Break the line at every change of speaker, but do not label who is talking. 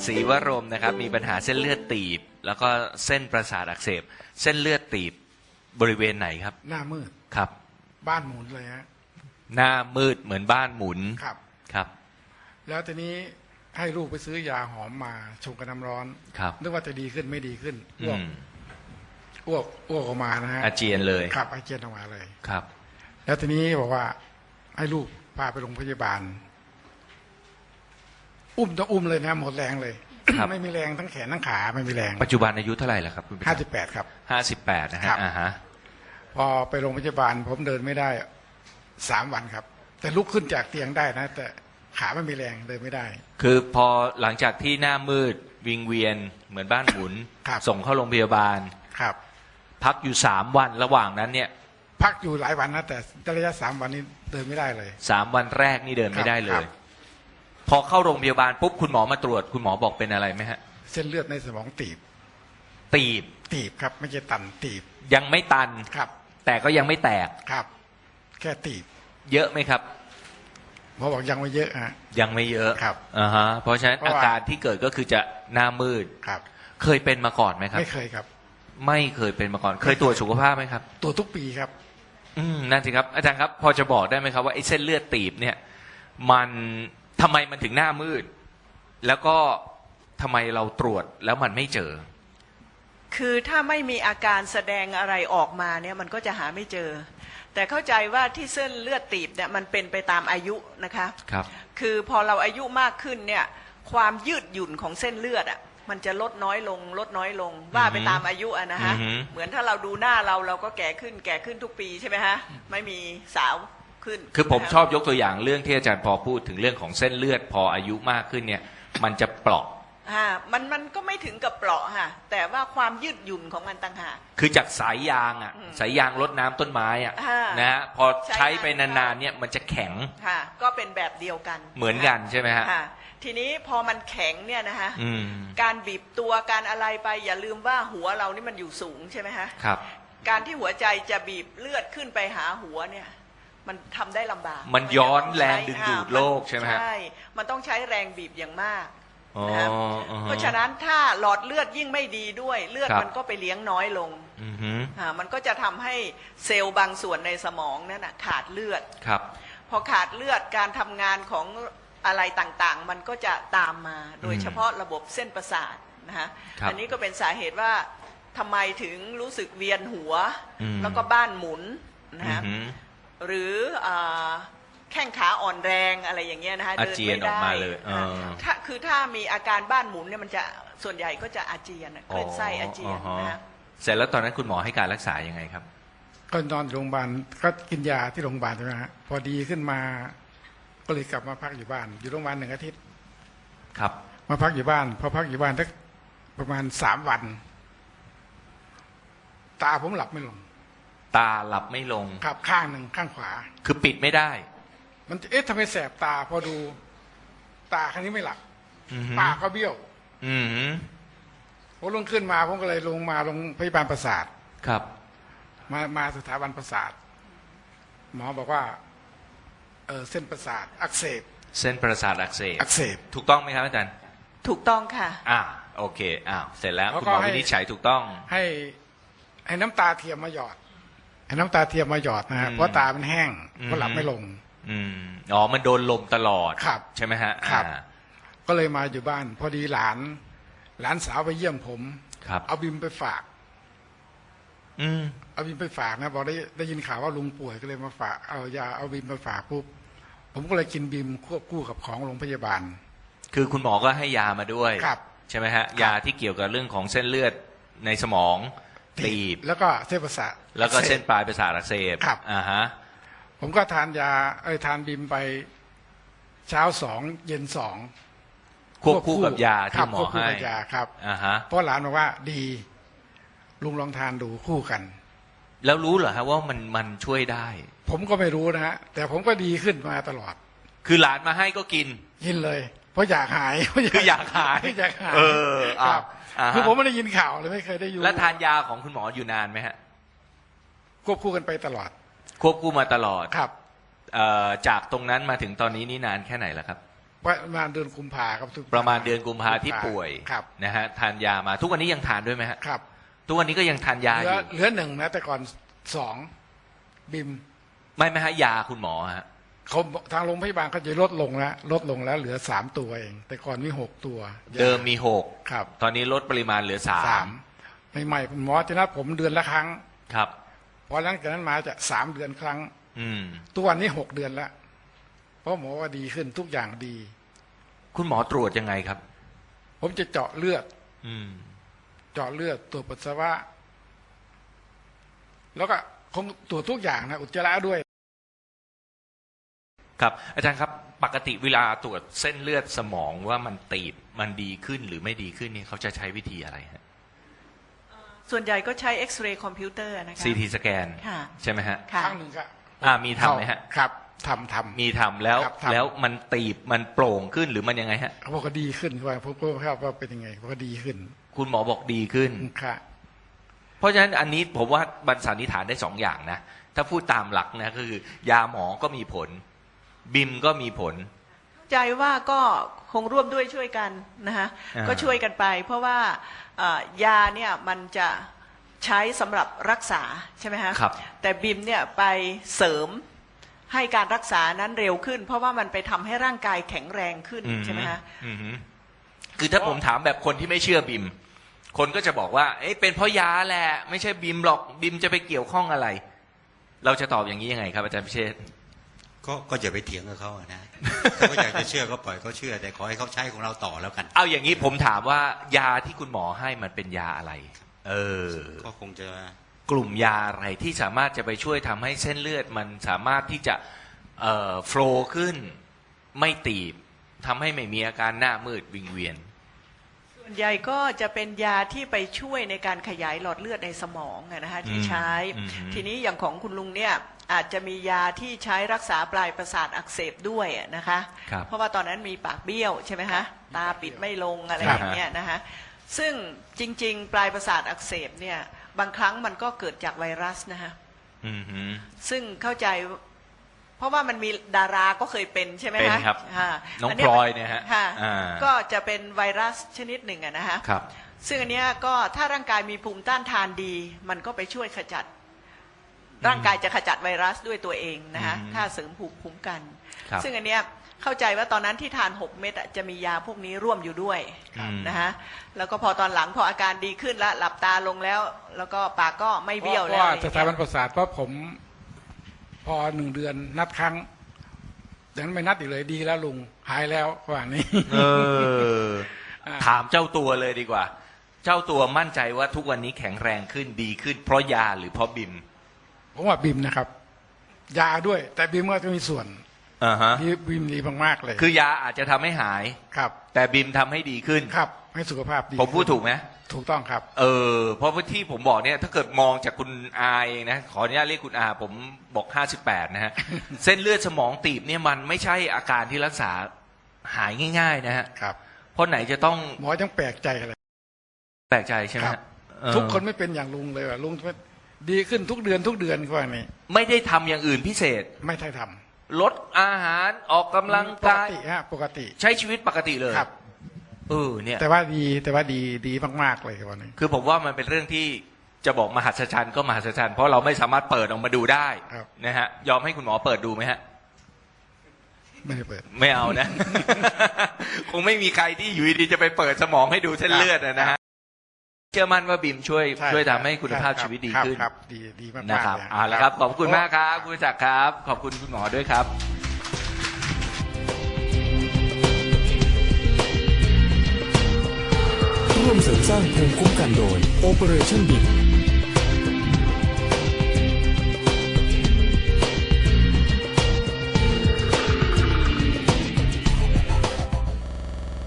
ศรีวรมนะครับมีปัญหาเส้นเลือดตีบแล้วก็เส้นประสาทอักเสบเส้นเลือดตีบบริเวณไหนครับ
หน้ามืด
ครับ
บ้านหมุนเลยฮะ
หน้ามืดเหมือนบ้านหมุน
ครับ
ครับ
แล้วทีนี้ให้ลูกไปซื้อยาหอมมาชงกับน้ำร้อน
ครับ
นึกว่าจะดีขึ้นไม่ดีขึ้นอ้วกออกมานะฮะ
อาเจียนเลย
ครับอาเจียนออกมาเลย
ครับ
แล้วทีนี้บอกว่าให้ลูกพาไปโรงพยาบาลต้องอุ้มเลยนะหมดแรงเลย ไม่มีแรงทั้งแขนทั้งขาไม่มีแรง
ปัจจุบันอายุเท่าไหร่แล้วครับคุณ
58ครับ
58นะฮะ
พอไปโรงพยาบาลผมเดินไม่ได้3 วันครับแต่ลุกขึ้นจากเตียงได้นะแต่ขาไม่มีแรงเดินไม่ได้
คือพอหลังจากที่หน้ามืดวิงเวียนเหมือนบ้านหมุนส่งเข้าโรงพยาบาล
ครับ
พักอยู่3 วันระหว่างนั้นเนี่ย
พักอยู่หลายวันนะแต่ระยะ3 วันนี้เดินไม่ได้เลย
3 วันแรกนี่เดินไม่ได้เลยพอเข้าโรงพยาบาลปุ๊บคุณหมอมาตรวจคุณหมอบอกเป็นอะไรไหมฮะ
เส้นเลือดในสมองตีบครับไม่ใช่ตันตีบ
ยังไม่ตัน
ครับ
แต่ก็ยังไม่แตก
ครับแค่ตีบ
เยอะไหมครับ
หมอบอกยังไม่เยอะฮะ
ยังไม่เยอะ
ครับ
เพราะฉะนั้นอาการที่เกิดก็คือจะหน้ามืด
ครับ
เคยเป็นมาก่อนไหมครับ
ไม่เคยครับ
ไม่เคยเป็นมาก่อนเคยตรวจสุขภาพไหมครับ
ตรวจทุกปีครับ
นั่นสิครับอาจารย์ครับพอจะบอกได้ไหมครับว่าไอ้เส้นเลือดตีบเนี่ยมันทำไมมันถึงหน้ามืดแล้วก็ทำไมเราตรวจแล้วมันไม่เจอ
คือถ้าไม่มีอาการแสดงอะไรออกมาเนี่ยมันก็จะหาไม่เจอแต่เข้าใจว่าที่เส้นเลือดตีบเนี่ยมันเป็นไปตามอายุนะคะ
ครับ
คือพอเราอายุมากขึ้นเนี่ยความยืดหยุ่นของเส้นเลือดอ่ะมันจะลดน้อยลงว่าไปตามอายุอ่ะนะฮะเหมือนถ้าเราดูหน้าเราก็แก่ขึ้นทุกปีใช่ไหมฮะไม่มีสาวขึ้น
คือผมชอบยกตัวอย่างเรื่องที่อาจารย์พอพูดถึงเรื่องของเส้นเลือดพออายุมากขึ้นเนี่ยมันจะเปราะ
มันก็ไม่ถึงกับเปราะค่ะแต่ว่าความยืดหยุ่นของมันต่างหาก
คือจากสายยางสายยางรดน้ำต้นไม้นะฮะพอใช้ไปนานๆเนี่ยมันจะแข็ง
ค่ะก็เป็นแบบเดียวกัน
เหมือนกันใช่ไหมฮะ
ทีนี้พอมันแข็งเนี่ยนะฮะการบีบตัวการอะไรไปอย่าลืมว่าหัวเรานี่มันอยู่สูงใช่ไหมฮะ
ครับ
การที่หัวใจจะบีบเลือดขึ้นไปหาหัวเนี่ยมันทำได้ลำบาก
มันย้อนแรงดึงดูดโลกใช่ไหมฮะ
ใช่มันต้องใช้แรงบีบอย่างมากนะเพราะฉะนั้นถ้าหลอดเลือดยิ่งไม่ดีด้วยเลือดมันก็ไปเลี้ยงน้อยลงมันก็จะทำให้เซลล์บางส่วนในสมองนั่นขาดเลือด
ครับ
พอขาดเลือดการทำงานของอะไรต่างๆมันก็จะตามมาโดยเฉพาะระบบเส้นประสาทนะฮะอันนี้ก็เป็นสาเหตุว่าทำไมถึงรู้สึกเวียนหัวแล้วก็บ้านหมุนนะฮะหรือแข้งขาอ่อนแรงอะไรอย่างเงี้ยนะฮะ
เดินไม่ได้
ถ้ามีอาการบ้านหมุนเนี่ยมันจะส่วนใหญ่ก็จะอาเจียนคลื่นไส้อาเจียนนะฮะ
เสร็จแล้วตอนนั้นคุณหมอให้การรักษายังไงครับ
ก็นอนโรงพยาบาลก็กินยาที่โรงพยาบาลใช่ไหมฮะพอดีขึ้นมาก็เลยกลับมาพักอยู่บ้านอยู่โรงพยาบาล1 อาทิตย์
ครับ
มาพักอยู่บ้านพอพักอยู่บ้านสักประมาณ3 วันตาผมหลับไม่ลง
ตาหลับไม่ลง
ครับข้างหนึ่งข้างขวา
คือปิดไม่ได้
มันทำไมแสบตาพอดูตาครั้งนี้ไม่หลับตาก็เบี้ยวผมลงขึ้นมาผมก็เลยลงพยาบาลประสาท
ครับ
มาสถาบันประสาทหมอบอกว่าเส้นประสาทอักเสบ
เส้นประสาทอักเสบถูกต้องไหมครับอาจารย์
ถูกต้องค่ะ
โอเคเสร็จแล้วคุณหมอวินิจฉัยถูกต้อง
ให้น้ำตาเทียมมาหยอดนะฮะเพราะตามันแห้งเพราะหลับไม่ลง
มันโดนลมตลอด
ครับ
ใช่ไหมฮะ
ครับก็เลยมาอยู่บ้านพอดีหลานสาวไปเยี่ยมผมเอาบิมไปฝากเอาบิมไปฝากนะบอกได้ยินข่าวว่าลุงป่วยก็เลยมาฝากเอายาเอาบิมไปฝากปุ๊บผมก็เลยกินบิมควบคู่กับของโรงพยาบาล
คือคุณหมอก็ให้ยามาด้วยใช่ไหมฮะยาที่เกี่ยวกับเรื่องของเส้นเลือดในสมองตีบ
แล้วก็เส้นประสาท
แล้วก็เส้นปลายประสาทอักเสบ
ผมก็ทานยาทานบิมไปเช้า2 เย็น2
ควบคู่กับยาที่หมอให้
ครับเพราะหลานบอกว่าดีลุงลองทานดูคู่กัน
แล้วรู้เหรอฮะว่ามันช่วยได้
ผมก็ไม่รู้นะฮะแต่ผมก็ดีขึ้นมาตลอด
คือหลานมาให้ก็กิน
เลยเพราะอยากหาย
คืออยากหาย
ครับคือผมไม่ได้ยินข่าวเลยไม่เคยได้ยิน
แล้วทานยาของคุณหมออยู่นานไหมฮะ
ควบคู่กันไปตลอด
ควบคู่มาตลอด
ครับ
จากตรงนั้นมาถึงตอนนี้นี่นานแค่ไหนแล้วครับ
ประมาณเดือนกุมภาครับ
ประมาณเดือนกุมภาที่ป่วย
ครับ
นะฮะทานยามาทุกวันนี้ยังทานด้วยไหมฮะ
ครับ
ทุกวันนี้ก็ยังทานยาอยู่
เหลือหนึ่งนะแต่ก่อนสองบิม
ไม่ฮะยาคุณหมอฮะ
เขาทางโรงพยาบาลเขาจะลดลงแล้วเหลือ3 ตัวเอง แต่ก่อนมี6 ตัว
เดิมมีหก
ครับ
ตอนนี้ลดปริมาณเหลือสาม
ใหม่ๆคุณหมอจะนัดผมเดือนละครั้ง
ครับ
พอหลังจากนั้นมาจะ3 เดือนครั้ง
อืม
ทุกวันนี้6 เดือนแล้วเพราะหมอว่าดีขึ้นทุกอย่างดี
คุณหมอตรวจยังไงครับ
ผมจะเจาะเลือด
อืม
เจาะเลือดตรวจปัสสาวะแล้วก็คงตรวจทุกอย่างนะอุจจาระด้วย
ครับอาจารย์ครับปกติเวลาตรวจเส้นเลือดสมองว่ามันตีบมันดีขึ้นหรือไม่ดีขึ้นนี่เขาจะใช้วิธีอะไรฮะ
ส่วนใหญ่ก็ใช้เอ็กซเรย์คอมพิวเตอร์นะคะ
CT สแกน
ค่ะ
ใช่ไหมฮะ
ค่ะ
ครั้งหนึ่งครับ
มีทำไหมฮะ
ครับทำ
มีทำแล้ว
ครับทำ
แล้วมันตีบมันโปร่งขึ้นหรือมันยังไงฮะ
เขาบอกว่าดีขึ้นว่าผมก็ว่าเป็นยังไงเขาก็ดีขึ้น
คุณหมอบอกดีขึ้น
ค่ะ
เพราะฉะนั้นอันนี้ผมว่าบรรสันนิษฐานได้สองอย่างนะถ้าพูดตามหลักนะก็คือยาหมอก็มีผลบิมก็มีผล
ใจว่าก็คงร่วมด้วยช่วยกันนะคะ ก็ช่วยกันไป เพราะว่ายาเนี่ยมันจะใช้สำหรับรักษาใช่ไหมฮะ
ครับ
แต่บิมเนี่ยไปเสริมให้การรักษานั้นเร็วขึ้น เพราะว่ามันไปทำให้ร่างกายแข็งแรงขึ้นใช่ไหมฮะ
คือถ้าผมถามแบบคนที่ไม่เชื่อบิมคนก็จะบอกว่าเอ๊ะเป็นเพราะยาแหละไม่ใช่บิมหรอกบิมจะไปเกี่ยวข้องอะไร เราจะตอบอย่างนี้ยังไงครับอาจารย์พิเชษฐ์
ก็อย่าไปเถียงกับเขาอะนะเขาก็อยากจะเชื่อก็ปล่อยเขาเชื่อแต่ขอให้เขาใช้ของเราต่อแล้วกัน
เอาอย่างนี้ผมถามว่ายาที่คุณหมอให้มันเป็นยาอะไร
ก็คงจะ
กลุ่มยาอะไรที่สามารถจะไปช่วยทำให้เส้นเลือดมันสามารถที่จะโฟลว์ขึ้นไม่ตีบทำให้ไม่มีอาการหน้ามืดวิงเวียน
ส่วนใหญ่ก็จะเป็นยาที่ไปช่วยในการขยายหลอดเลือดในสมองนะคะที่ใช้ ทีนี้อย่างของคุณลุงเนี่ยอาจจะมียาที่ใช้รักษาปลายประสาทอักเสบด้วยนะคะ
ครับ
เพราะว่าตอนนั้นมีปากเบี้ยวใช่ไหมคะตาปิดไม่ลงอะไร
ครับ
อย่างเงี้ยนะคะซึ่งจริงๆ ปลายประสาทอักเสบเนี่ยบางครั้งมันก็เกิดจากไวรัสนะคะ
อืมฮึ
ซึ่งเข้าใจเพราะว่ามันมีดาราก็เคยเป็นใช่ไหม
เป็น
คะ
ครับ
อ่า
น้อง
อั
พลอยเนี่ยฮะ
ค่ะ
อ่า
ก็จะเป็นไวรัสชนิดหนึ่งอะนะคะ
ครับ
ซึ่งอันเนี้ยก็ถ้าร่างกายมีภูมิต้านทานดี มันก็ไปช่วยขจัด ร่างกายจะขจัดไวรัสด้วยตัวเองนะคะถ้าเสริมภูมิคุ้มกัน
ครับ
ซึ่งอันเนี้ยเข้าใจว่าตอนนั้นที่ทาน6 เม็ดอะจะมียาพวกนี้ร่วมอยู่ด้วยนะคะแล้วก็พอตอนหลังพออาการดีขึ้นแล้วหลับตาลงแล้ว แล้วก็ปากก็ไม่เบี้ยว
เพ
แล้
ราะ
ว
ว่าสถาบันประสาทเพราะผมพอ1 เดือนนัดครั้งดังนั้นไม่นัดอีกเลยดีแล้วลุงหายแล้วว่านี้
ถามเจ้าตัวเลยดีกว่า เจ้าตัวมั่นใจว่าทุกวันนี้แข็งแรงขึ้นดีขึ้นเพราะยาหรือเพราะบิม
ผมว่าบิมนะครับ ยาด้วย แต่บิมก็จะมีส่วน
อ่าฮะ
บิมดีมากๆเลย
คือยาอาจจะทำให้หาย
ครับ
แต่บิมทำให้ดีขึ้น
ครับให้สุขภาพดี
ผมพูดถูกไหม
ถูกต้องครับ
เพราะว่าที่ผมบอกเนี่ยถ้าเกิดมองจากคุณอาเองนะขออนุญาตเรียกคุณอาผมบอก58นะฮะ เส้นเลือดสมองตีบเนี่ยมันไม่ใช่อาการที่รักษาหายง่าย ๆ นะฮะ
ครับ
เพราะไหนจะต้อง
หมอยังแปลกใจเลย
แปลกใจใช่ไหม
ครั
ฮะ
บ
เออ
ทุกคนไม่เป็นอย่างลุงเลยว่ะลุงดีขึ้นทุกเดือนก็ว่านี้
ไม่ได้ทำอย่างอื่นพิเศษ
ไม่ใช่ท
ลดอาหารออกกำ
ำ
ลัง
ปก
กาย
ติฮะปกติ
ใช้ชีวิตปกติเลย
ครับ
เนี่ย
แต่ว่าดีมากๆเลยวันนี้
คือผมว่ามันเป็นเรื่องที่จะบอกมหัศจรรย์ก็มหัศจรรย์เพราะเราไม่สามารถเปิดออกมาดูได้
ครับ
นะฮะยอมให้คุณหมอเปิดดูไหมฮะ
ไม่ได้เปิด
ไม่เอานะ คงไม่มีใครที่อยู่ดีๆจะไปเปิดสมองให้ดูเส้นเลือดนะฮะเชื่อมั่นว่าบิมช่วย
ใช่
ช่วยทำให้คุณภาพชีวิตดีขึ้น
ครับดีมากๆ
นะครับ
เลย
เอาละครับขอบคุณมากครับคุณจักรครับ ขอบคุณคุณหมอด้วยครับ
ร่วมเสริมสร้างภูมิคุ้มกันโดย Operation BIM